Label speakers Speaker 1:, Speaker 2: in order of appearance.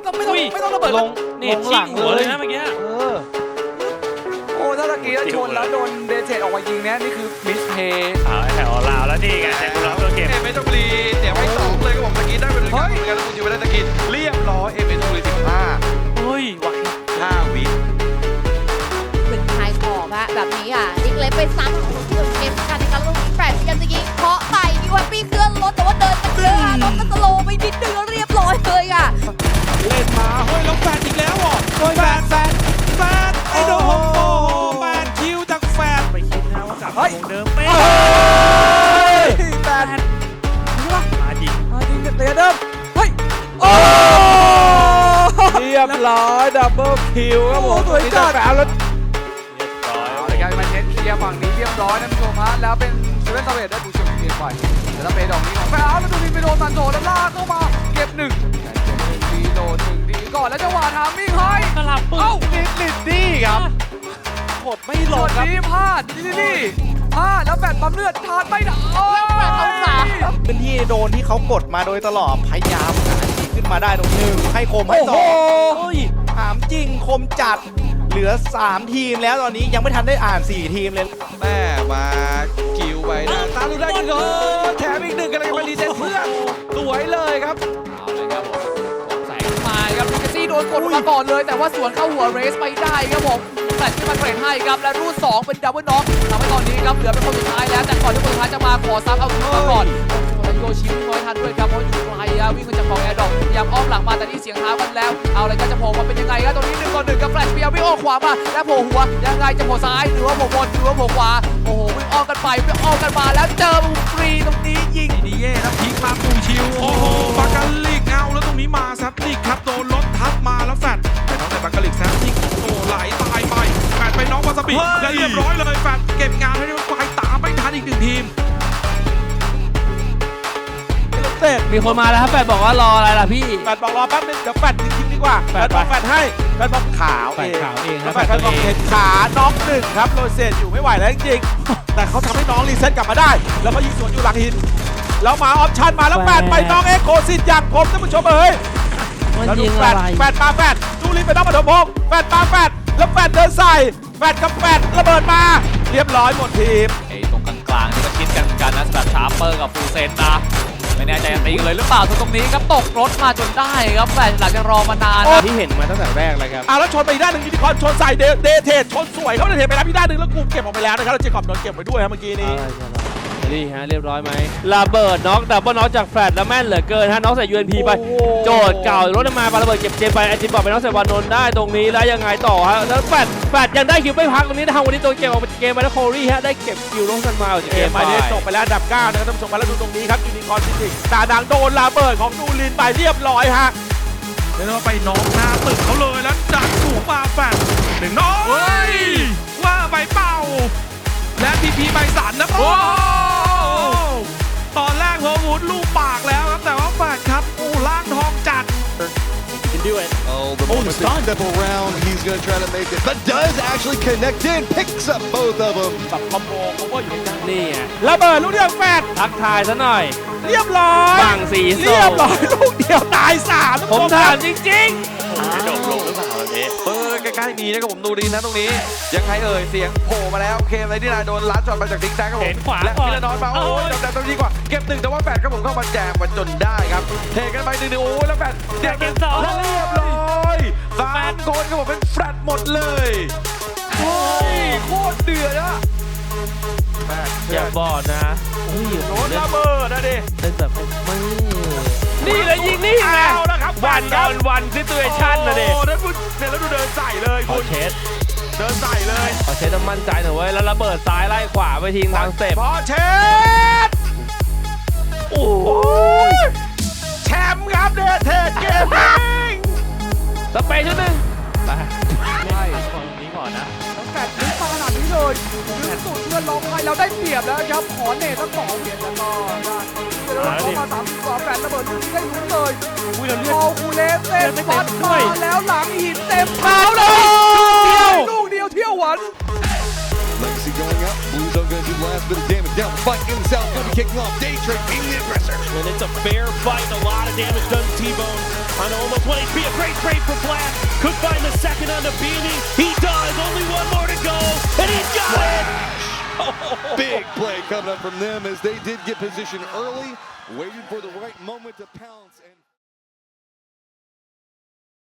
Speaker 1: ไม่ต้องระเบิด
Speaker 2: ลงเน็ตชิงหัวเลยนะเมื่อกี้
Speaker 1: โอ้ถ้าตะกี้ชนแล้วโดนเดเทออกมายิงเนี่ยนี่คือมิสเพย์
Speaker 2: แถวลาวแล้วนี่ไงแต่คุณรับตัวเก็บ
Speaker 3: เอชบุรีเดี๋ยวไป2เลยก็บอกตะกี้ได้ไปด้วยกันเหมือนกันแล้วคุณจิวไปได้ตะกี้เรียบร้อยเอชบุรี15
Speaker 2: เฮ้ยไหว
Speaker 3: 5 วิ
Speaker 4: เป็นไฮขอบฮะแบบนี้นิกเล็กไปซ้ำของเกมกันนะครับลูกแฟดกันจะยิงเคาะใส่ดิวันปี้เคลื่อนรถแต่ว่าเดินกันเยอะน้องก็สโลไปนิดนึงเรียบร้อยเลย
Speaker 3: เล่นมาเฮ้ยแล้วแฟดอีกแล้วเหรอแฟดไอ้โดมแฟดคิวจากแฟด
Speaker 2: ไปคิดนะว่ากลับมาเดิมเป๊ะ
Speaker 1: แฟด
Speaker 2: มาจริง
Speaker 1: เตะเดิมเฮ้ยโอ้เรียบร้อยดับเบิลคิวครับผมสวยจัดแล้ว
Speaker 2: เรียบร้อย
Speaker 1: เลยครับมันเน้นเคลียร์ฝั่งนี้เรียบร้อยนะคุณผู้ชมฮะแล้วเป็นเซเว่นตาเวทได้ดูเชียงเกียร์ไปแต่ถ้าเป็นดอกนี้ของแฟร์แล้วดูนี่ไปโดนมันโถแล้วลากเข้ามาเก็บ1ดีโดน1ดีก่อนแล้วจังหวะทามมิ่งให้
Speaker 2: สลับปืน
Speaker 3: ลิดดี้ครับกดไม่หลบครับ
Speaker 1: พลาดนี่พลาดแล้วแฟดปั๊มเลือดทานไม่ได้
Speaker 4: แฟดเอาสาม
Speaker 5: พื้นที่โดนที่เขากดมาโดยตลอดพยายามหาทีขึ้นมาได้ตรงนึงให้คมให้ต่อถามจริงคมจัดเหลือ3ทีมแล้วตอนนี้ยังไม่ทันได้อ่าน4ทีมเลย
Speaker 3: แม่มาคิวไปนะตามดูได้อีกแถมอีก1กันเลยมาดีเซนเพื่อนสวยเลยครับ
Speaker 1: เอาเลยครับผมแสงมาครับลูกซี่โดนกดมาก่อนเลยแต่ว่าสวนเข้าหัวเรสไปได้ครับผมแฟดที่มันเทรดให้ครับและรูด2เป็นดับเบิลน็อกทำให้ตอนนี้ครับเหลือเป็นคนสุดท้ายแล้วแต่ก่อนที่คนสุดท้ายจะมาขอซับเอาขึ้นมาก่อนโยชิวิ่งน้อยทันด้วยครับเพราะอยู่ไกลวิ่งมาจากของแอร์ดอกพยายามอ้อมหลังมาแต่นี่เสียงเท้ากันแล้วเอาอะไรก็จะโผล่มาเป็นยังไงครับตรงนี้1 ต่อ 1กับแฟลชเปียวิ่งออกขวามาแล้วโผล่หัวยังไงจะโผล่ซ้ายหรือว่าโผล่บนหรือว่าโผล่ขวาโอ้โหวิ่งอ้อมกันไปวิ่งอ้อมกันมาแล้วเจอมุมฟรีตรงนี้ยิง
Speaker 3: ดีเย่แล้วพีคมาปูชิวโอ้โหบากาลิกเอาแล้วตรงนี้มาซับนิกครับโดนรถทับมาแล้วแฟดไปน้องแต่บากาลิกซับนิกโอ้ไหลตายไปแฟดไปน้องวาซาบิและเรียบร้อยเลยแฟดเก็บงานให้ด้วยไฟตามไม่ทันอีก1 ทีม
Speaker 2: มีคนมาแล้วครับแฟดบอกว่ารออะไรล่ะพี่
Speaker 5: แฟดบอกรอแป๊บนึงเดี๋ยวแฟดทิ้งดีกว่าแฟดบอกแฟดให้แฟดบอกขาวเองแฟดบอกเห็นขาน้อง1ครับโรเซตอยู่ไม่ไหวแล้วจริงๆแต่เขาทำให้น้องรีเซ็ตกลับมาได้แล้วก็ยิงสวนอยู่หลังหินแล้วมาออปชั่นมาแล้วแฟดไปน้องเอ็กโคซิตอย่างผมท่านผู้ชมเอ้ยแล้วดูแฟดมาแฟดดูลินไปน้องปฐมพงศ์แฟดมาแฟดแล้วแฟดเดินใส่แฟดกับแฟดระเบิดมาเรียบร้อยหมดทีม
Speaker 2: ไอ้ตรงกลางๆที่มันคิดกันนะสำหรับชาร์เปอร์กับฟูเซนนะไม่แน่ใจจะตีเลยหรือเปล่าตรงนี้ครับตกรถมาจนได้ครับแฟนหลังจากรอมานาน
Speaker 5: ที่เห็นมาตั้งแต่แรกเลยครับแล้วชนไปอีกด้านหนึ่งยูนิคอร์นชนใส่เดเทชชนสวยเขาเดเทไปแล้วพี่ด้านหนึ่งแล้วกูเก็บออกไปแล้วนะครับแล้วเจคอบโดนเก็บไปด้วยครับเมื่อกี้นี้
Speaker 2: นี่ฮะเรียบร้อยไหมระเบิดน็อกดับเบิลน็อกจากแฟดแล้วแม่นเหลือเกินฮะน็อกใส่ UNP ไปโจทย์เก่ารถมาปาระเบิดเก็บเจไปไอจิมบอกไปน็อกใส่วานนท์ได้ตรงนี้แล้วยังไงต่อฮะแล้วแฟดยังได้คิวไม่พักตรงนี้ทางวันนี้ตัวเกมออกเกมไปแล้วโคลี่ฮะได้เก็บคิวลงกันมาจากเกมไป
Speaker 5: ได้จบไปแล้วอันดับ9นะครับท่านผู้ชมแล้วดูตรงนี้ครับยูนิคอร์นจริงๆตาดังโดนระเบิดของดูลินไปเรียบร้อยฮะ
Speaker 3: แล้วเราไปน้องหน้าตึกเขาเลยแล้วดักสูงมาแฟด1 น้อยว่าไปเป่าและพีใบสันนะโอ้ตอนแรกโฮวูดลูกปากแล้วครับแต่ว่าแฟดครับโอ้ล่างทองจัด
Speaker 6: Oh, the moment double round, he's going to try to make it, but does actually connect in, picks up both of them.
Speaker 5: แบบคอมโบเขาก็อยู่ด้าน
Speaker 2: นี่
Speaker 5: ระเบิดลูกเดียวแฟด
Speaker 2: ทักทายซะหน่อย
Speaker 5: เรียบร้อย
Speaker 2: ฝั่งสีส้ม
Speaker 5: เรียบร้อยลูกเดียวตาย3
Speaker 2: ผมถามจริง
Speaker 3: ๆโดดลงหรือเปล่าแบบนี้ใกล้ๆมีนะครับผมดูดีนะตรงนี้ยังไงเสียงโผล่มาแล้วเคมอะไรที่นายโดนลัดจอดมาจากทิกแซกครับผมและพิลานอนมาโอ้ยแต่ตรงนี้กว่าเก็บ1แต่ว่าแฟดครับผมเข้ามาแจมมาจนได้ครับเทกันไป1โอ้ยแล้วแฟด
Speaker 2: เดี๋ยวเก็บ2
Speaker 3: แล้วเรียบร้อย3 คนครับผมเป็นแฟดหมดเลยโอ้ยโคตรเดือดอะ
Speaker 2: อย่าบอกนะ
Speaker 5: โดนระเบิดนะดิ
Speaker 2: เป็นแบบไม่นี่เลยยิงนี่ไงวันซิตูเอชั่นนะดิ
Speaker 3: โอ้แล้วดูเดินใส่เลย
Speaker 2: พอเช็ด
Speaker 3: เดินใส่เลย
Speaker 2: พอเช็ดต้องมั่นใจหน่อยเว้ยแล้วระเบิดซ้ายไล่ขวาไปทิ้งทางสเต็ป
Speaker 5: พอเช็ดโอ้ยแชมป์ครับเดเทสเกมมิ่ง
Speaker 2: สเปย์ชุดหนึ่งไป
Speaker 1: ใช่
Speaker 2: ฝั่งนี้ก่อนนะ
Speaker 1: แฟดลึกมาขนาดนี้เลยลึกสุดเพื่อนร้องไห้เราได้เปรียบแล้วครับขอเนตทั้ง2เหรียญแล้วก็เข้ามา3 ต่อ แฟดระเบิดลูกนี้ได้ลุ้นเลยโอ้คูเลสเต็มฟัดมาแล้วหลังหินเต็มเท้าเลยลูกเดียวเที่ยวหวัน
Speaker 6: Legacy going up. Blues are going to do the last bit of damage down. Fight in the south. kicking off Daedric being the aggressor.
Speaker 7: And it's a fair fight. A lot of damage done to T-Bone on almost 1 HP. A great trade for Flash. Could find the second on the Beanie. He does. Only one more to go. And he's got it.
Speaker 6: Big play coming up from them as they did get position early, waited for the right moment to pounce and